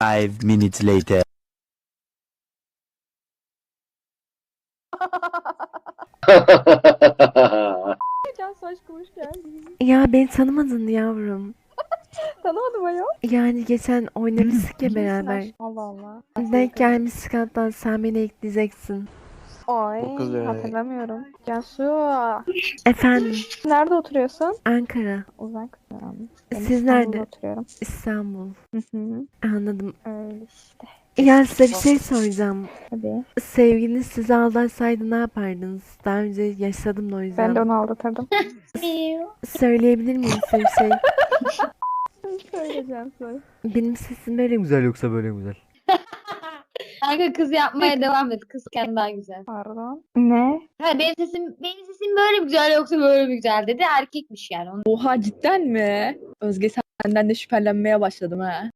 5 minutes later. Cansu aşkım hoş geldin. Ya beni tanımadın yavrum. Tanımadım ayol. Yani geçen oynamıştık ya Kimsin beraber. aşkım? Allah Allah. Denk gelmiştik hatta sen beni ekleyeceksin. Ay Çok güzel. hatırlamıyorum. Cansu Efendim nerede oturuyorsun? Ankara. Uzak. Ben Siz İstanbul'da nerede? oturuyorum. İstanbul. Hı hı. Anladım. Öyle işte. Ya size bir şey soracağım. Tabii. Sevgiliniz sizi aldatsaydı ne yapardınız? Daha önce yaşadım da o yüzden. Ben de onu aldatırdım. Söyleyebilir miyim size bir şey? Söyle Cansu. Benim sesim böyle güzel yoksa böyle güzel. Kanka kız yapmaya devam et. Kızken daha güzel. Pardon. Ne? Ha, benim sesim böyle mi güzel yoksa böyle mi güzel dedi. Erkekmiş yani. Oha cidden mi? Özge senden de şüphelenmeye başladım ha.